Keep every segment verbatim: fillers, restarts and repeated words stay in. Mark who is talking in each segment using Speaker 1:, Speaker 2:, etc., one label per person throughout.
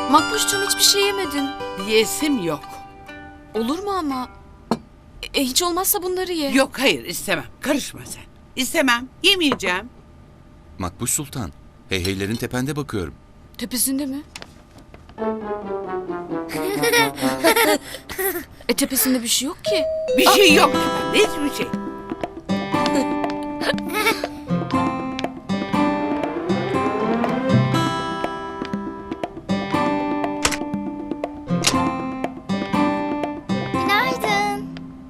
Speaker 1: Makbuşcuğum hiçbir şey yemedin.
Speaker 2: Yesim yok.
Speaker 1: Olur mu ama? E, hiç olmazsa bunları ye.
Speaker 2: Yok hayır istemem. Karışma sen. İstemem. Yemeyeceğim.
Speaker 3: Makbuş Sultan, heyheylerin tepende bakıyorum.
Speaker 1: Tepesinde mi? E tepesinde bir şey yok ki.
Speaker 2: Bir şey yok. Hiçbir şey.
Speaker 4: Günaydın.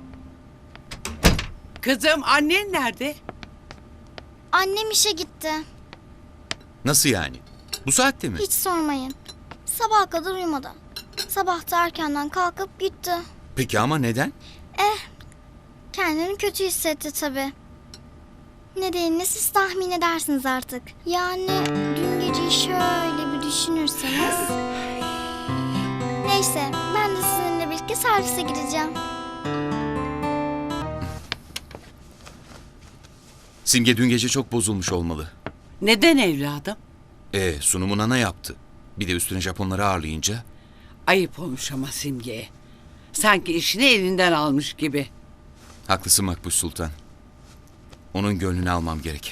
Speaker 2: Kızım annen nerede?
Speaker 4: Annem işe gitti.
Speaker 3: Nasıl yani? Bu saatte mi?
Speaker 4: Hiç sormayın. Sabaha kadar uyumadı. Sabah da erkenden kalkıp gitti.
Speaker 3: Peki ama neden?
Speaker 4: Kendini kötü hissetti tabii. Nedenini siz tahmin edersiniz artık. Yani dün geceyi şöyle bir düşünürseniz. Neyse ben de sizinle birlikte servise gideceğim.
Speaker 3: Simge dün gece çok bozulmuş olmalı.
Speaker 2: Neden evladım?
Speaker 3: E sunumu Nana yaptı. Bir de üstüne Japonları ağırlayınca.
Speaker 2: Ayıp olmuş ama Simge'ye. Sanki işini elinden almış gibi.
Speaker 3: Haklısın Makbuş Sultan. Onun gönlünü almam gerek.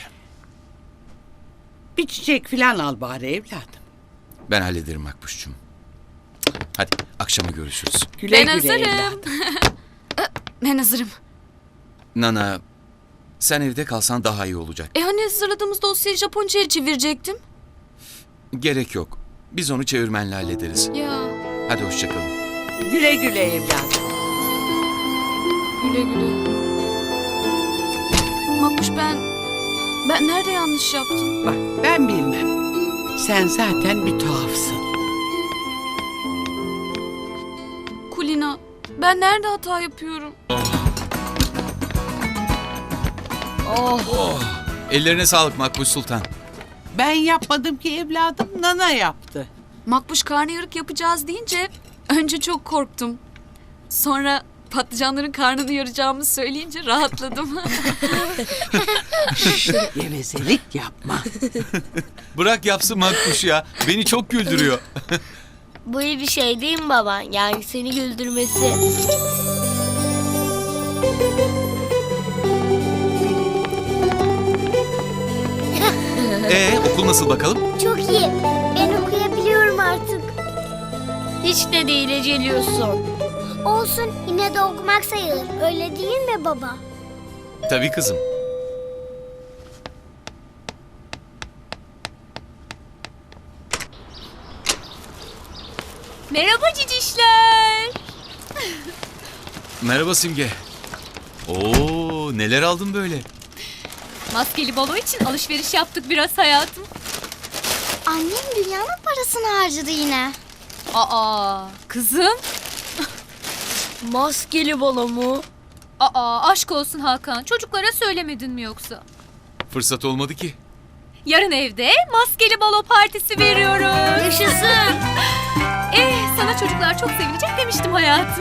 Speaker 2: Bir çiçek falan al bari evladım.
Speaker 3: Ben hallederim Makbuş'cum. Hadi akşama görüşürüz.
Speaker 2: Güle
Speaker 1: Ben
Speaker 2: güle
Speaker 1: hazırım.
Speaker 2: evladım.
Speaker 1: Ben hazırım.
Speaker 3: Nana, sen evde kalsan daha iyi olacak.
Speaker 1: E hani hazırladığımız dosyayı Japonca'ya çevirecektim?
Speaker 3: Gerek yok. Biz onu çevirmenle hallederiz.
Speaker 1: Ya
Speaker 3: Hadi hoşçakalın.
Speaker 2: Güle güle evladım.
Speaker 1: güle güle. Makbuş ben... Ben nerede yanlış yaptım?
Speaker 2: Bak ben bilmem. Sen zaten bir tuhafsın.
Speaker 1: Kulina, ben nerede hata yapıyorum?
Speaker 3: Oh, ellerine sağlık Makbuş Sultan.
Speaker 2: Ben yapmadım ki evladım. Nana yaptı.
Speaker 1: Makbuş karnıyarık yapacağız deyince önce çok korktum. Sonra patlıcanların karnını yaracağımı söyleyince rahatladım.
Speaker 2: Gevezelik yapma.
Speaker 3: Bırak yapsın Makbuş ya. Beni çok güldürüyor.
Speaker 5: Bu iyi bir şey değil mi baba? Yani seni güldürmesi.
Speaker 3: Ee okul nasıl bakalım?
Speaker 4: Çok iyi. Ben okuyabiliyorum artık.
Speaker 5: Hiç de değil eceliyorsun.
Speaker 4: Olsun yine de okumak sayılır. Öyle değil mi baba?
Speaker 3: Tabii kızım.
Speaker 5: Merhaba cicişler.
Speaker 3: Merhaba Simge. Oo neler aldın böyle?
Speaker 5: Maskeli balo için alışveriş yaptık biraz hayatım.
Speaker 4: Annem dünyanın parasını harcadı yine.
Speaker 5: Aa kızım. Maskeli balo mu? Aa aşk olsun Hakan. Çocuklara söylemedin mi yoksa?
Speaker 3: Fırsat olmadı ki.
Speaker 5: Yarın evde maskeli balo partisi veriyoruz. Yaşasın. Eh sana çocuklar çok sevinecek demiştim hayatım.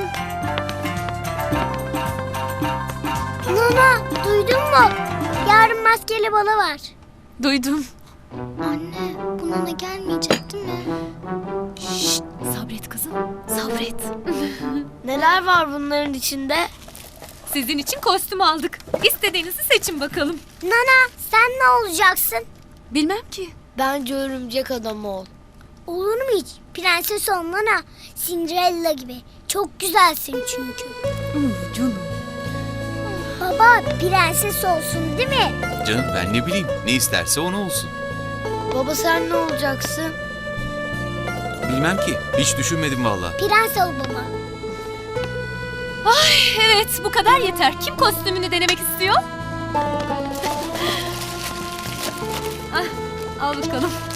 Speaker 4: Nana duydun mu? Yarın maskeli balo var.
Speaker 1: Duydum.
Speaker 4: Anne bu Nana gelmeyecek değil mi?
Speaker 5: Şşt, sabret kızım, sabret. Neler var bunların içinde? Sizin için kostüm aldık. İstediğinizi seçin bakalım.
Speaker 4: Nana sen ne olacaksın?
Speaker 1: Bilmem ki.
Speaker 5: Bence örümcek adam ol.
Speaker 4: Olur mu hiç? Prenses ol Nana. Cinderella gibi. Çok güzelsin çünkü.
Speaker 1: Hmm, canım.
Speaker 4: Baba prenses olsun değil mi?
Speaker 3: Canım ben ne bileyim. Ne isterse onu olsun.
Speaker 5: Baba sen ne olacaksın?
Speaker 3: Bilmem ki. Hiç düşünmedim vallahi.
Speaker 4: Prens ol baba.
Speaker 5: Evet, bu kadar yeter. Kim kostümünü denemek istiyor? ah, al bakalım.